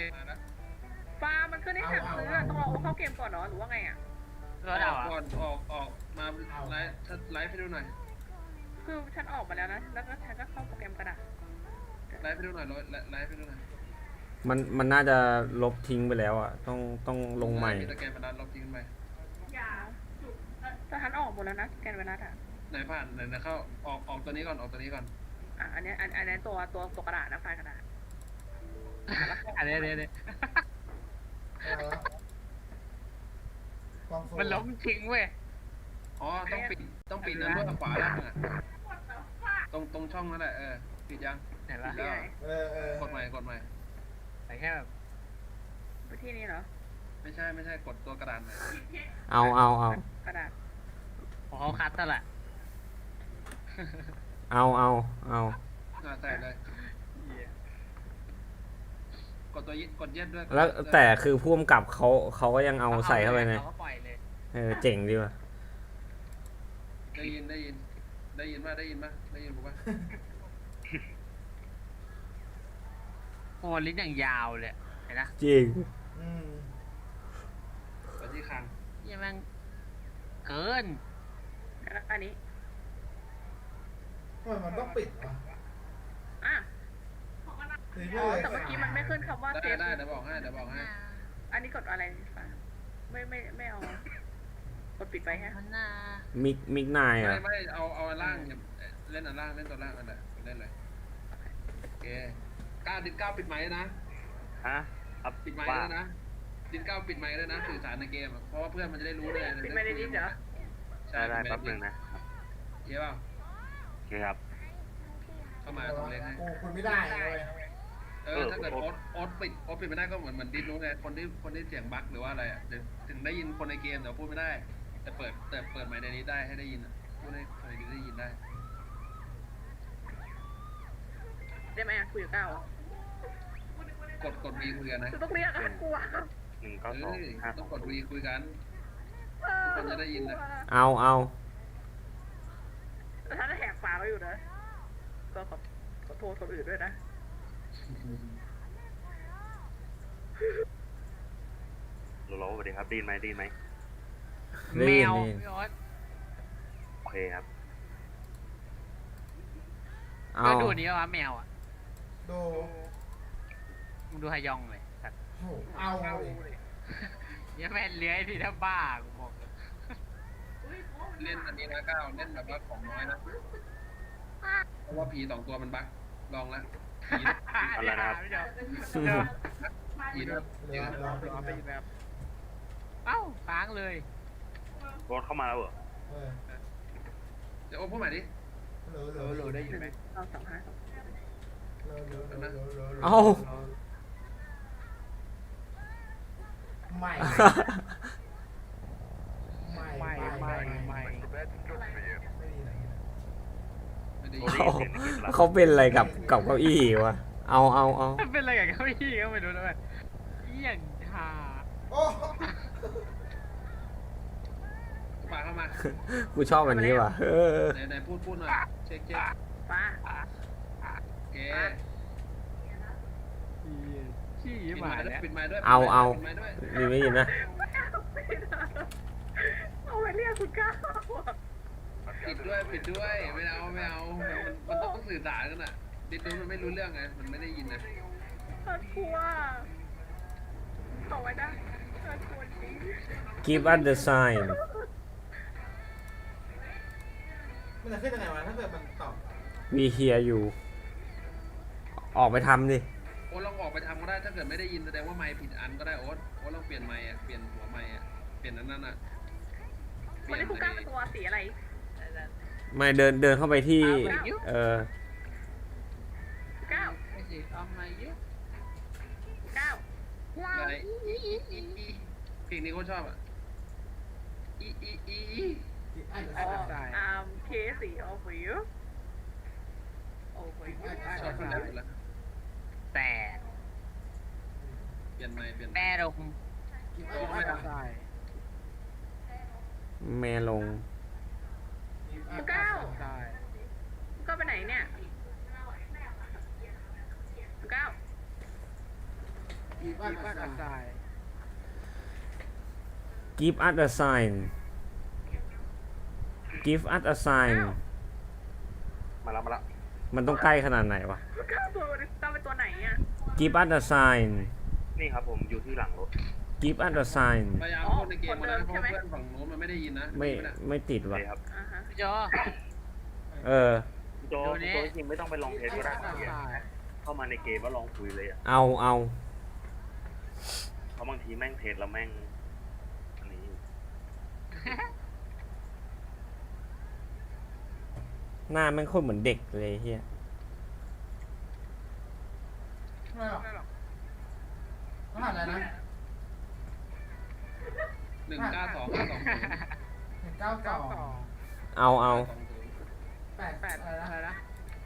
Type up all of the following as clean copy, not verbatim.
ฟ้ามันขึ้นให้สั่งซื้อต้องรอเข้าเกมก่อนเนาะหรือว่าไงอ่ะรถเอาก่อนออกมาไลฟ์ให้ดูหน่อยคือฉันออกมาแล้วนะแล้วก็ฉันก็เข้าโปรแกรมกระดาษไลฟ์ให้ดูหน่อยไลฟ์ให้ดูหน่อยมันน่าจะลบทิ้งไปแล้วอ่ะต้องลงใหม่มีตะแกรงบรรทัดลบทิ้งไปแต่ฉันออกหมดแล้วนะแกนเวลาอ่ะไหนผ่านไหนเข้าออกตัวนี้ก่อนออกตัวนี้ก่อนอันนี้ตัวกระดาษนะไฟล์กระดาษอันนี้มันล้มทิ้งเว้ยอ๋อต้องปิดนั้นด้วยขวาล่างอ่ะตรงช่องนั่นแหละปิดยังเห็นปะแล้วกดใหม่แต่แค่แบบไปที่นี่เหรอไม่ใช่กดตัวกระดานใหม่เอากระดาษของเขาคัดนั่นแหละเอาใส่เลยกดตัวกดเย็ดด้วยแล้วแต่คือพ่วงกับเขาก็ยังเอาใส่เข้าไปไงเขาก็ปล่อยเลยเจ๋งดีว่ะได้ยินป่ะได้ยินผมป่ะโอ้ลิ้นอย่างยาวเลยเห็นนะจริงไปที่คางยังแม่งเกินแล้วอันนี้มันต้องปิดวะอ่ะแต่แต่เมื่อกี้มันไม่ขึ้นคำว่าเซฟได้เดี๋ยวบอกให้อันนี้กดอะไรฟ้าไม่เอากดปิดไปฮะมิกนายอ่ะไม่เอาล่างเล่นอันล่างเล่นตัวล่างอันไหนเล่นเลยโอเคดิน9ปิดไมค์นะฮะครับปิดไมค์แล้วนะดิน9ปิดไมค์แล้วนะสื่อสารในเกมเพราะว่าเพื่อนมันจะได้รู้เลยปิดไม่ได้ดิเหรอใช่ได้แป๊บนึงนะเยอะเปล่าโอเคครับเข้ามาตรงเล็กให้คุณไม่ได้เลยถ้าเกิดโอ๊ตปิดไม่ได้ก็เหมือนดินรู้ไงคนที่เสียงบั๊กหรือว่าอะไรอ่ะถึงได้ยินคนในเกมแต่พูดไม่ได้แต่เปิดไมค์ในนี้ได้ให้ได้ยินพูดให้คนในนี้ได้ยินได้ได้ไหมคุยกับก้าวกดวีคุยกันนะจะต้องเรียกกลัวต้องกดวีคุยกันทุกคนจะได้ยินนะเอาแต่ถ้าแหกปากเราอยู่นะก็ขอโทษคนอื่นด้วยนะโลสวัสดีครับดีนไหมแมวพี่ออสโอเคครับก็ดูนี้ว่าแมวอ่ะดูมึงดูฮยองเลยสัตว์เอาเลยยังแม่นเลื้อยที่ถ้าบ้ากูบอกเล่นอันนี้นะก้าวเล่นแบบว่าของน้อยนะเพราะว่าผี2ตัวมันบั๊กลองแล้วผีอะไรนะครับผีด้วยเอ้าค้างเลยรถเข้ามาแล้วเหรอเดี๋ยวโอ้พูดใหม่ดิโหลได้ยินไหมเราสัมภาษณ์เอาไม่ไม่ได้โรยินดี้เปลี่ยนในเกมละเขาเป็นอะไรกับเก้าอี้วะเอาเป็นอะไรกับเขาพี่ก็ไม่รู้แล้วแบบอย่างฮาโอ้ปากเข้ามากูชอบอันนี้ว่ะไหนพูดหน่อยเช็คป้าโอเคขี้ปิดหมาไม้ด้วยแล้วปิดไม้ด้วยเอาปิดไม้ด้วยมีไม่ยินนะเอาไปเรียกคุณก้าวปิดด้วยไม่เอามันต้องสื่อสารกันอ่ะดิดูมันไม่รู้เรื่องไงมันไม่ได้ยินนะกลัวเอาไว้ได้กลัวจริง give us the sign มันจะขึ้นยังไงวะถ้าเกิดมันตอบ we hear you ออกไปทำดิโอ๊ตลองออกไปทำก็ได้ถ้าเกิดไม่ได้ยินแสดงว่าไมค์ผิดอันก็ได้โอ๊ตลองเปลี่ยนไมค์อ่ะเปลี่ยนหัวไมค์อ่ะเปลี่ยนนั้นอ่ะวันนี้คุณก้าวเป็นตัวสีอะไรไม่เดินเข้าไปที่ก้าวไม่สิเอามาเยอะก้าวอะไรเพลงนี้เขาชอบอ่ะอีเคสีโอ้โหชอบที่แล้วแต่เปลี่ยนไมค์เปลี่ยนแต่ลงแม่ลงคุณก้าวคุณก้าวไปไหนเนี่ยคุณก้าวอีบ้านบ้านอัอัดดทราย give us a sign give us a sign มาแล้วมาแล้วมันต้องใกล้ขนาดไหนวะตัวต้องเป็นตัวไหนอ่ะ give us a sign นี่ครับผมอยู่ที่หลังรถ give us a sign พยายามพูดในเกมมานะเพราะเพื่อนฝั่งนู้นมันไม่ได้ยินนะไม่ติดโอวะเคครับอ่าฮะพี่จอเออโจจริงไม่ต้องไปลองเทสก็ได้บ้านอัดทรายเข้ามาในเกมแล้วลองคุยเลยอ่ะเอาเพราะบางทีแม่งเทสแล้วแม่งอันนี้หน้าแม่งโคตรเหมือนเด็กเลยเฮียไม่หรอกรหัสอะไรนะ 192520 192 92 เอา 8 8 อะไรอะไรนะนะ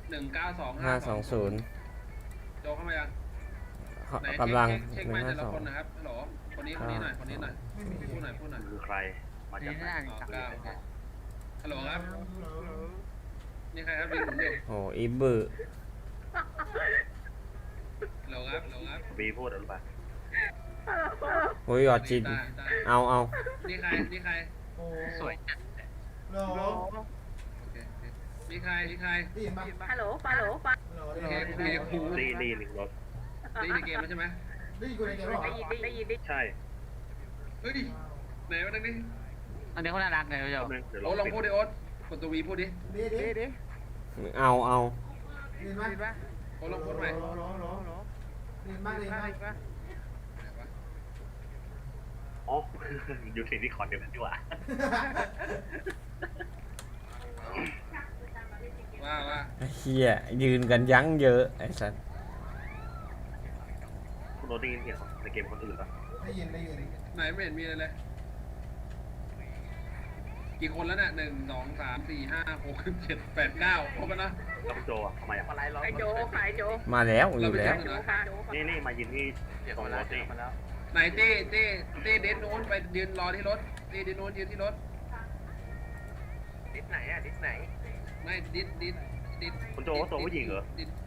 192520โจเข้ามายังไหนกำลังเช็คไมค์แต่ละคนนะครับฮัลโหลคนนี้หน่อยไม่มีพูดหน่อยคือใครมานี่จากไหนน่าจะสั่งเลยนะฮัลโหลครับนี่ใครครับดีผมอยู่โอ้อีบือฮัลโหลครับบีพูดหรือเปล่าโอ้ยหยอดจินได้เอานี่ใครโอ้สวยจัดโหลโอเคนี่ใครได้ยินปะฮัลโหลฮัลโหลฟังโหลโอได้เคยินโอเคครูดีหนึ่งรถได้ในเกมแล้วใช่ไหมได้ยินกูในเกมหรอได้ยินดิใช่เฮ้ยไหนวะนั่นนี่อันนี้เขาน่ารักเลยพี่จอแป๊บนึงเดี๋ยวลโอ๊อตงลองพูดดิโอ๊ตกดตัววีพูดดิดีดีดิเอาได้ยินปะดิป่ะโอ๊ตลองพูดใหม่โหลได้ยินปะได้ยินปะอ๋อ อยู่ที่คอนเดียวกันดีกว่าว่าเฮียยืนกันยั้งเยอะไอ้สัสคุณโรถได้ยินเสียงในเกมคนอื่นปะได้ยินไหนไม่เห็นมีอะไรเลยกี่คนแล้วเนี่ย1 2 3 4 5 6 7 8 9ครบแล้วนะแล้วคุณโจอ่ะทำไมอ่ะไอโจขายโจมาแล้วอยู่แล้วโจค่ะโจนี่มายืนที่ตรงรถนี่ไหนเต้เดนโน้นไปยืนรอที่รถเต้เดนโน้นยืนที่รถดิสไหนอ่ะดิสไหนไม่ดิดคุณโจว่าตัวผู้หญิงเหรอ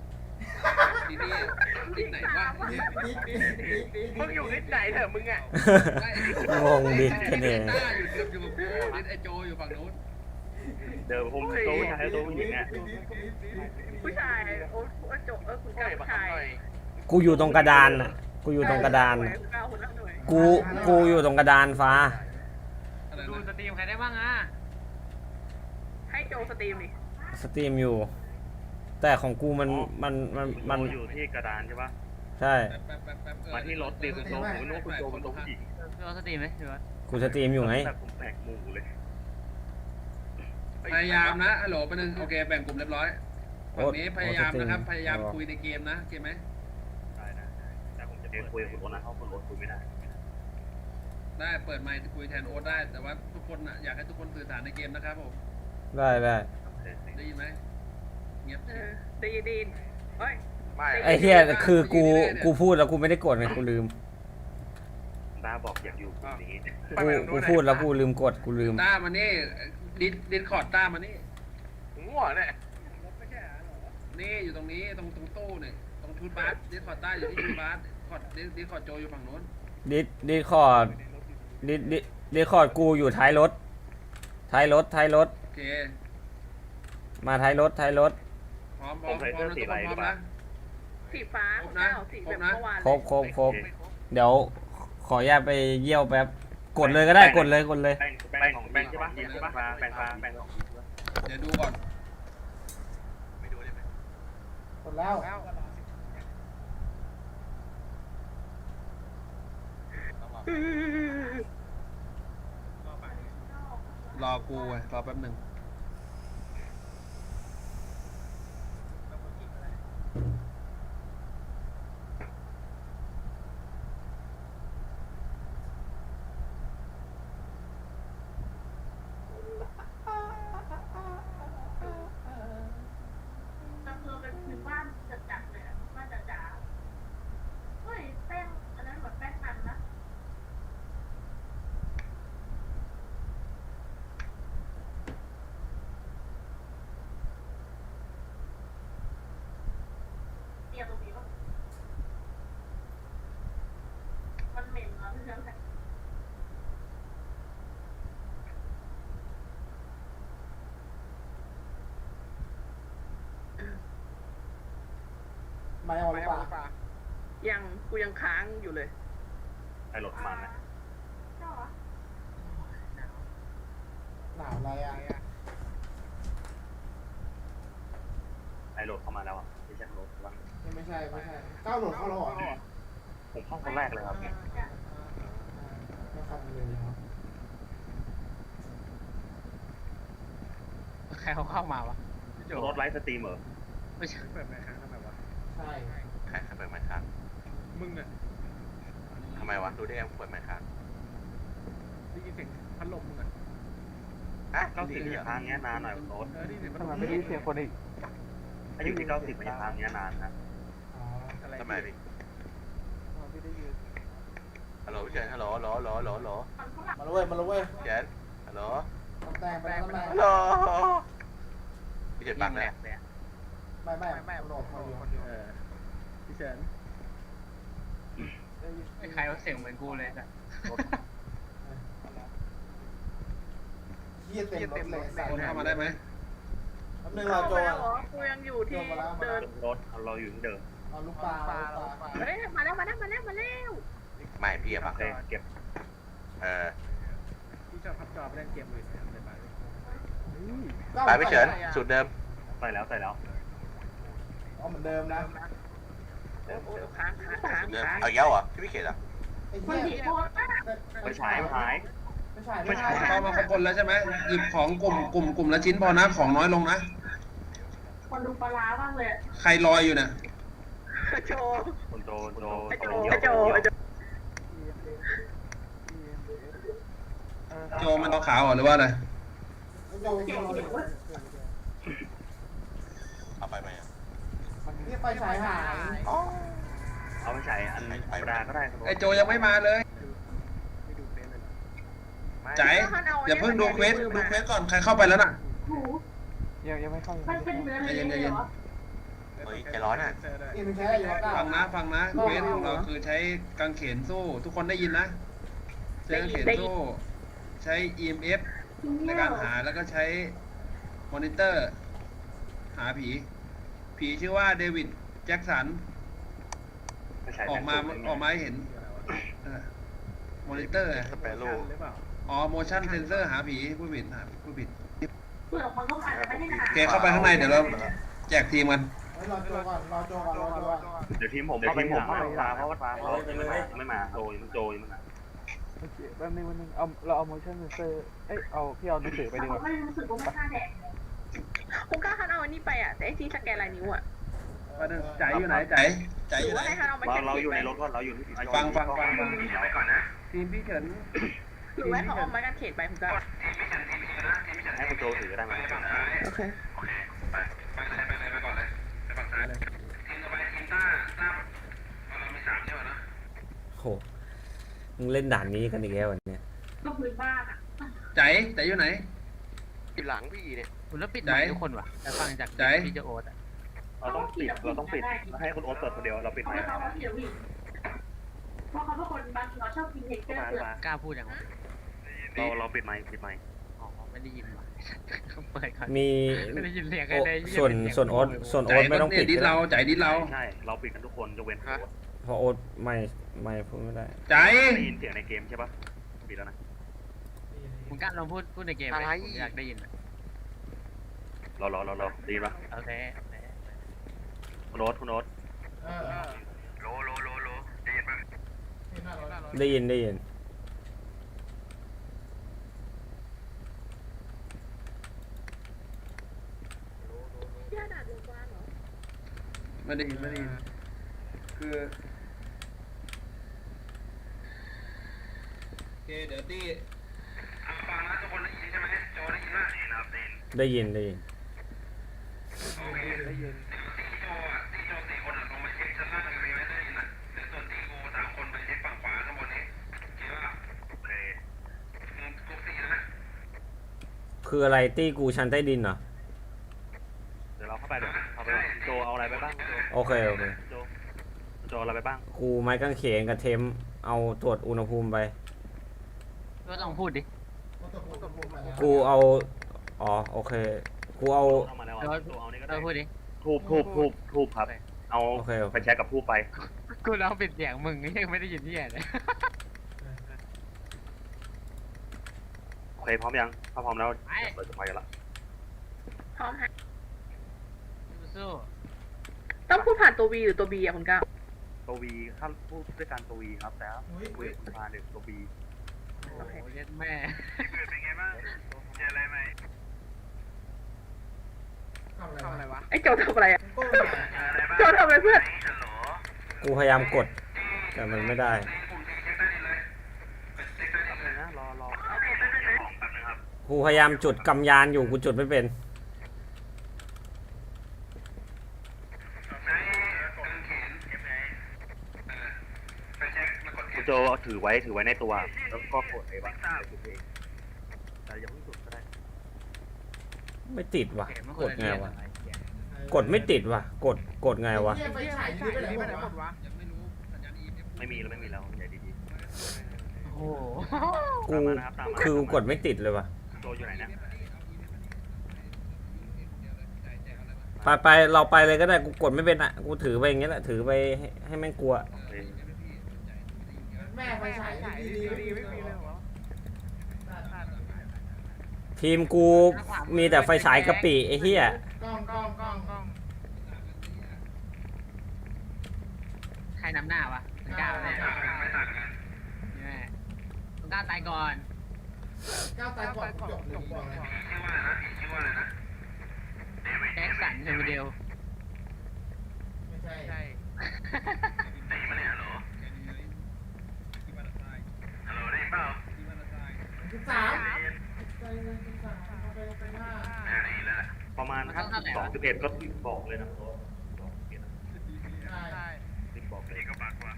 ดิดไหนวะมึงอยู่ดิสไหนเถอะมึงอ่ะงงดิคะแนนต้าอยู่กับกูดิดไอโจอยู่ฝั่งนู้นเดี๋ยวผมตัวผู้ชายตัวผู้หญิงอ่ะผู้ชายโอ้โจคุณก้าวผู้ชายกูอยู่ตรงกระดานน่ะ กูอยู่ตรงกระดานน่ะก้าวคนละหน่วยกูอยู่ตรงกระดานฟ้าอะไรดูสนะตรีมใครได้บ้างอ่ะให้โจสตรีมดิสตรีมอยู่ แต่ของกูมันมันอยู่ที่กระดานใช่ปะใช่แป๊บมาที่รถดิคุณโจผมไม่รู้ว่าคุณโจเป็นตัวผู้หญิงดูสตรีมไหมดูว่ากูสตรีมอยู่ไงแต่ผมแปลกหมู่เลยพยายามนะฮัลโหลไปหนึ่งโอเคแบ่งกลุ่มเรียบร้อยฝั่งนี้พยายามนะครับพยายามคุยในเกมนะโอเคไหมได้แต่ผมจะไปคุยกับคุณโรถนะเพราะคุณโรถคุยไม่ได้ได้เปิดไมค์คุยแทนโอ๊ตได้แต่ว่าทุกคนอ่ะอยากให้ทุกคนสื่อสารในเกมนะครับผมได้ได้ยินไหมเงียบได้ยินเฮ้ยไอ้เฮียคือกูพูดแล้วกูไม่ได้กดไงกูลืมดาบอกอยากอยู่กลุ่มนี้กูพูดแล้วกูลืมกดกูลืมต้ามานี่ดิสคอร์ดต้ามานี่ง่วงเนี่ยนี่อยู่ตรงนี้ตรงตู้เนี่ยตรงทูดบาร์ดิสคอร์ดต้าอยู่ที่ทูดบาร์ดิสคอร์ดโจอยู่ฝั่งโน้นดิคอร์ดดิคอร์ดกูอยู่ท้ายรถโอเคมาท้ายรถพร้อมนะทุกคนพร้อมนะสีฟ้าก้าวสีแบบเมื่อวานครบเดี๋ยวขออนุญาตไปเยี่ยวแป๊บ กดเลยก็ได้กดเลยแบ่งของแบ่งใช่ปะใช่ปะแบ่งของเดี๋ยวดูก่อนกดแล้วรอกูไว้รอแป๊บหนึ่งไม่เอาหรือเปล่ายังกูยังค้างอยู่เลยไอโหลดเข้ามาไหมหนาวอะไรอ่ะไอโหลดเข้ามาแล้วอ่ะไม่ใช่โหลดบ้างไม่ใช่ก้าวโหลดเข้าแล้วเหรอผมเข้าคนแรกเลยครับไม่เข้าเลยครับใครเขาเข้ามาวะพี่โจรถไลฟ์สตรีมเหรอไม่ใช่เปิดไมค์ค้างทำไมวะใช่ใครเปิดไมค์ค้างมึงอะทำไมวะ รู้ได้ไงเปิดไมค์ค้างได้ยินเสียงพัดลมมึงอะอ่ะ 90อย่าค้างเงี้ยนานหน่อยโน้ตได้ยินเสียงพัดลมไม่ได้ยินเสียงคนอีกอายุที่90มันอย่าค้างเงี้ยนานนะอ๋ออะไรทำไมพี่ไม่ได้ยินฮัลโหลพี่เจนฮัลโหลฮัลโหลฮัลโหลฮัลโหลฮัลโหลมาแล้วเว้ยเจนฮัลโหลต้องแต่งไปต้องแต่งฮัลโหลพี่เจนปังแหลแล้วกเลยอะไม่โหลดคนเดียวพี่เฉินไม่ใครว่าเสียงเหมือนกูเลยจ้ะเฮียเต็มรถเลยใส่คนเข้ามาได้ไหมแป๊บนึงรอโจเข้ามาแล้วเหรอกูยังอยู่ที่เดินรถเราอยู่ที่เดิมเอาลูกปลาเฮ้ยมาแล้วไม่พี่อะโอปังเคเก็บเออพี่ชอบพับจอไปเล่นเกมอื่นเลยไปไปพี่เฉินสูตรเดิมใส่แล้วเอาเหมือนเดิมนะโอ้ค้างสูตรเดิมเอาอีกแล้วเหรอพี่ไม่เข็ดอ่ะไอ้เหี้ยไม่ใช่ไม่หายไม่ใช่เข้ามาครบคนแล้วใช่ไหมหยิบของกลุ่มละชิ้นพอนะของน้อยลงนะคนดูปลาร้าบ้างเลยใครลอยอยู่เนี่ยโจคนโจโจโจมันขาวๆเหรอหรือว่าอะไรโจเอาไปไหมอ่ะนี่ไฟฉายหายอ๋อเอาไปใส่อันธรรมดาก็ได้ครับไอโจยังไม่มาเลยไม่ดูเฟซเลยใจอย่าเพิ่งดูเควสก่อนใครเข้าไปแล้วน่ะยังไม่เข้าใจเย็นเฮ้ยใจร้อนอ่ะนี่มันใช้อะไรอยู่วะก้าฟังนะเควสของเราคือใช้กางเขนสู้ ทุกคนได้ยินนะใช้กางเขนสู้ ใช้ EMF ในการหาแล้วก็ใช้มอนิเตอร์ หาผีชื่อว่าเดวิดแจ็คสันออกมาให้เห็นมอนิเตอร์สเปรโร่หรือเปล่าอ๋อ motion sensor หาผีผู้ผิดโอเคเข้าเข้าไปข้างในเดี๋ยวเราแจกทีมกันรอโจก่อนเดี๋ยวทีมผมเข้าไปหาฟ้าเพราะว่าฟ้าเขาไม่มาโจยมันมาโอเคแป๊บนึงเราเอา motion sensor พี่เอาหนังสือไปดีกว่าคุณกล้าคันเอาอันนี้ไปอ่ะแต่ไอ้ที่สแกนลายนิ้วอ่ะใจอยู่ไหนใจหอรือยู่ไหนว่าให้คันเอาไปเราอยู่ในรถก่อนเราอยู่ที่ฟังก่อนนะทีมพี่เฉินหรือว่าเขาเอาไม้กางเขนไปคุณกล้าให้คุณโจถือก็ได้ไหมโอเคไปก่อนเลยไปฝั่งซ้ายเลยทีมต่อไปทีมต้าเรามี3ใช่ไหมนะโหมึงเล่นด่านนี้กันอีกแล้ววันเนี้ยก็พื้นบ้านอ่ะใจอยู่ไหนอยู่หลังพี่เนี่ยคุณแล้วปิดไมค์ทุกคนวะแต่ฟังจากพี่จะโอ๊ตอะเราต้องปิดให้คุณโอ๊ตเปิดคนเดียวเราปิดไมค์เพราะเขาเป็นคนบางทีเขาชอบกินเห็ดเกลือกล้าพูดอย่างไรเราปิดไมค์อ๋อไม่ได้ยินว่ะเปิดก่อนมีไม่ได้ยินเสียงโอเลยส่วนโอ๊ตไม่ต้องปิดดิดเราใจดิดเราใช่เราปิดกันทุกคนยกเว้นเพราะโอ๊ตไม่พูดไม่ได้ใจได้ยินเสียงในเกมใช่ปะปิดแล้วนะคุณกล้าลองพูดในเกมเลยผมอยากได้ยินเราดีปะโอเคคุณโอ๊ตโลได้ยินปะได้ยินย่าด่าโรงพยาบาลเหรอไม่ได้ยินคือโอเคเดี๋ยวตีฟังนะทุกคนได้ยินใช่ไหมโจได้ยินไหมได้ยินโอเคตีโจ4 คนลงมาเช็คชั้นล่างตรงนี้ไม่ได้ยินนะเดี๋ยวส่วนตีกู3 คนไปเช็คฝั่งขวาข้างบนนี้คิดว่าโอเคกรุ๊ป4นะคืออะไรตี้กูชั้นใต้ดินเหรอเดี๋ยวเราเข้าไปโจเอาอะไรไปบ้างโอเคโจอะไรไปบ้างกูไม้กางเขนกับเทมเอาตรวจอุณหภูมิไปก็ต้องพูดดิกูเอาโอเคกูเอาเข้ามาแล้วโจเอานี่ก็ก็ได้พูดดิทูบครับเอาโอเคโอเคไปแช็กกับผู้ไปกูร้องปิดเสียงมึงยังไม่ได้ยินที่ไหนเลยโอเคพร้อมยังถ้าพร้อมแล้วไปเราจะไปกันละพร้อมฮะสู้ต้องพูดผ่านตัว V หรือตัว B อ่ะคุณก้าวตัววีถ้าพูดด้วยกันตัววีครับแต่ถ้าอุ้ยคุยกับคุณพาหนึ่งตัวบีโอ้โหเย็ดแม่เป็นไงบ้างเจออะไรไหมทำทำอะอะไร ไรวะวะไอ้โจทำอะไรอ่ะโก้โจทำอะไรเพื่อนกูพยายามกด แต่มันไม่ได้นะรอกูพยายามจุดกำยานอยู่กูจุดไม่เป็นคุณโจถือไว้ในตัวแล้วก็กดไอ้บ้างจุดเองแต่อย่าเพิ่งจุดก็ได้ไม่ติดว่ะเข็มมันกคนดละไงเรียนวะอะไรเหี้ยกดไม่ติดว่ะ กดไงวะเหี้ยไฟฉายยืดไปไหนหมดวะไม่มีแล้วใหญ่ดีโอ้โหๆกูตามมานะครับตามมาคือกดไม่ติดเลยว่ะโจอยู่ไหนนะไปเราไปเลยก็ได้ กูกดไม่เป็นอ่ะ กูถือไปอย่างเงี้ยแหละ ถือไปให้แม่งกลัวโอเคแม่ไฟฉายดีไม่มีเลยเหรอทีมกูมีแต่ไฟฉายกะปิไอ้เหี้ยกล้องใครนำหน้าวะมึงกล้าไหมเนี่ยแม่มึงกล้าตายก่อนก้าวตายก่อนจบเลยบอกเลยแจ็คสันเฮมิเดลไม่ใช่ 13ไปห้าประมาณถ้า12 11ก็บอกเลยนะใช่ 12 11รีบบอกเลยก็ปากว่า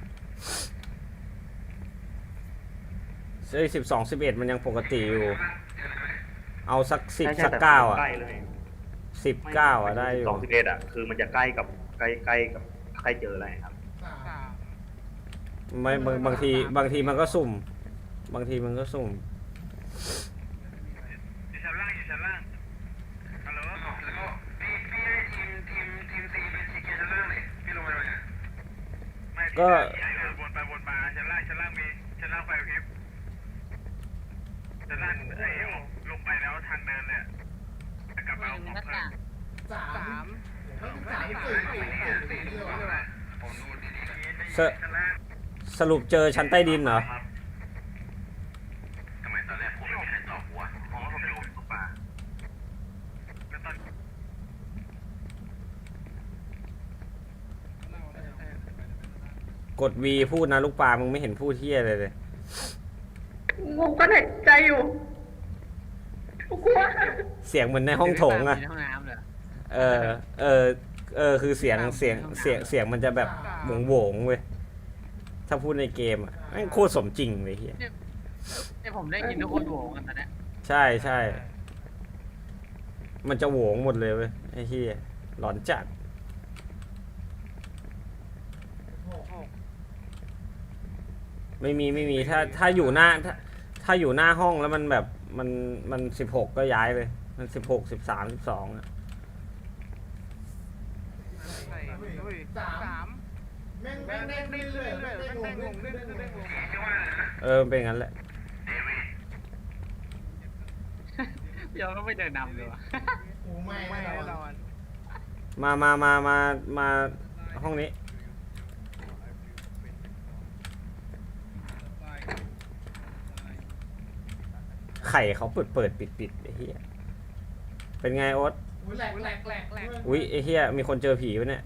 12 11มันยังปกติอยู่ เอาสัก10สัก9อ่ะใกล้เลย 19อ่ะได้อยู่ 12 11อ่ะคือมันจะใกล้กับใกล้เจออะไรครับไม่บางทีมันก็สุ่ม บางทีมันก็สุ่มอยู่ชั้นล่างฮัลโหลพี่ทีมซีเป็นชั้นล่างเลยพี่ลงมาหน่อยไม่ก็วนไปวนมาชั้นล่างมีชั้นล่างไฟพริบชั้นล่างลงไปแล้วทางเดินเลยกลับมาเอาของเพิ่ม 34เลยวะผมดูดีสสรุปเจอชั้นใต้ดินเหรอทำไมตอนแรกผมไม่มีใครตอบหัวเพราะว่าผมไม่รู้ตกปลาแล้วตอนกด V พูดนะลูกปลามึงไม่เห็นพูดเที่ยเลยงงกันหายใจอยู่กูกลัวเสียงเหมือนในห้องโถงอ่ะในห้องน้ำเลยคือเสียงมันจะแบบโหวงๆเว้ย ถ้าพูดในเกมอ่ะแม่งโคตรสมจริงเลยเฮียเนี่ยผมได้ยินทุกคนโหวงกันตอนเนี้ยใช่ มันจะโหวงหมดเลยเว้ยไอ้เฮียหลอนจัด ไม่มีถ้าอยู่หน้าถ้าอยู่หน้าห้องแล้วมันแบบมัน16ก็ย้ายเลย มัน16 13 12อ่ะ 3แม่งเด้งเรื่อยๆเด้งลงเด้งลงมันเป็นงั้นแหละเดี๋ยวก็ไม่เดินนำเลยวะกูไม่แน่นอนมาห้องนี้ ไข่เขาเปิดปิดไอ้เหี้ย เป็นไงโอ๊ตอุ้ยแหลกอุ๊ยไอ้เหี้ยมีคนเจอผีปะเนี่ย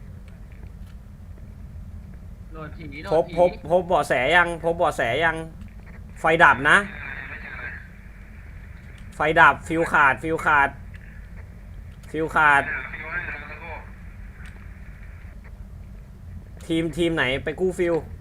โดนผีโดนพบเบาะแสยัง ไฟดับนะ ไฟดับฟิวขาด ทีมไหนไปกู้ฟิว